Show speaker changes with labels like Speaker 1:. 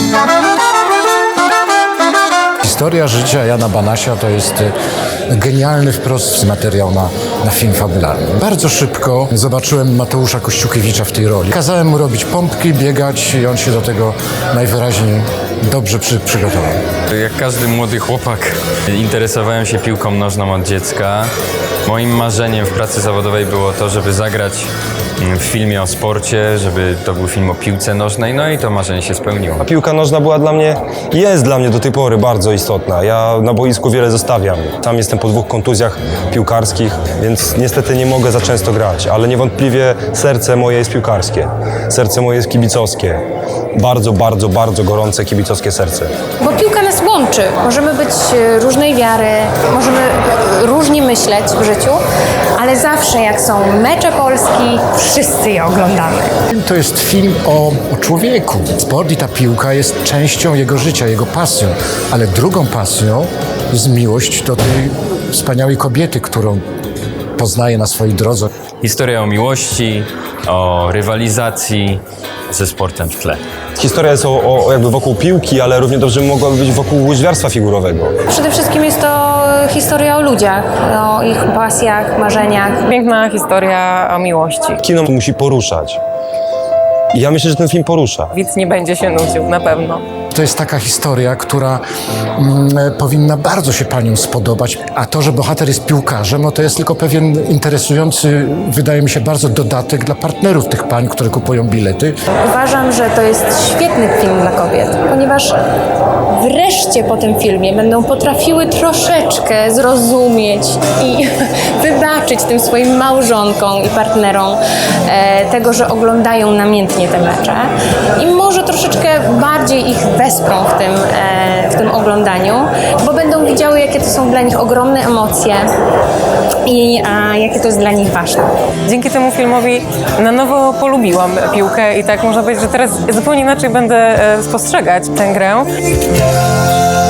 Speaker 1: Historia życia Jana Banasia to jest genialny wprost materiał na film fabularny. Bardzo szybko zobaczyłem Mateusza Kościukiewicza w tej roli. Kazałem mu robić pompki, biegać i on się do tego najwyraźniej dobrze przygotował.
Speaker 2: Jak każdy młody chłopak interesowałem się piłką nożną od dziecka. Moim marzeniem w pracy zawodowej było to, żeby zagrać w filmie o sporcie, żeby to był film o piłce nożnej, no i to marzenie się spełniło.
Speaker 3: Piłka nożna była dla mnie, jest dla mnie do tej pory bardzo istotna. Ja na boisku wiele zostawiam. Sam jestem po 2 kontuzjach piłkarskich, więc niestety nie mogę za często grać, ale niewątpliwie serce moje jest piłkarskie. Serce moje jest kibicowskie. Bardzo, bardzo, bardzo gorące kibicowskie serce.
Speaker 4: Bo piłka nas łączy. Możemy być różnej wiary, możemy różnie myśleć w życiu, ale zawsze jak są mecze Polski, wszyscy je oglądamy.
Speaker 1: To jest film o człowieku. Sport i ta piłka jest częścią jego życia, jego pasją, ale drugą pasją jest miłość do tej wspaniałej kobiety, którą poznaje na swojej drodze.
Speaker 2: Historia o miłości, o rywalizacji ze sportem w tle.
Speaker 3: Historia jest jakby wokół piłki, ale równie dobrze mogłaby być wokół łyżwiarstwa figurowego.
Speaker 4: Przede wszystkim jest to historia o ludziach, o ich pasjach, marzeniach.
Speaker 5: Piękna historia o miłości.
Speaker 3: Kino musi poruszać. I ja myślę, że ten film porusza.
Speaker 5: Widz nie będzie się nudził, na pewno.
Speaker 1: To jest taka historia, która powinna bardzo się paniom spodobać, a to, że bohater jest piłkarzem, no to jest tylko pewien interesujący, wydaje mi się, bardzo dodatek dla partnerów tych pań, które kupują bilety.
Speaker 4: Uważam, że to jest świetny film dla kobiet, ponieważ wreszcie po tym filmie będą potrafiły troszeczkę zrozumieć i wybaczyć tym swoim małżonkom i partnerom tego, że oglądają namiętnie te mecze i może troszeczkę bardziej ich wesprą w tym oglądaniu, bo będą widziały, jakie to są dla nich ogromne emocje i jakie to jest dla nich ważne.
Speaker 5: Dzięki temu filmowi na nowo polubiłam piłkę i tak można powiedzieć, że teraz zupełnie inaczej będę spostrzegać tę grę.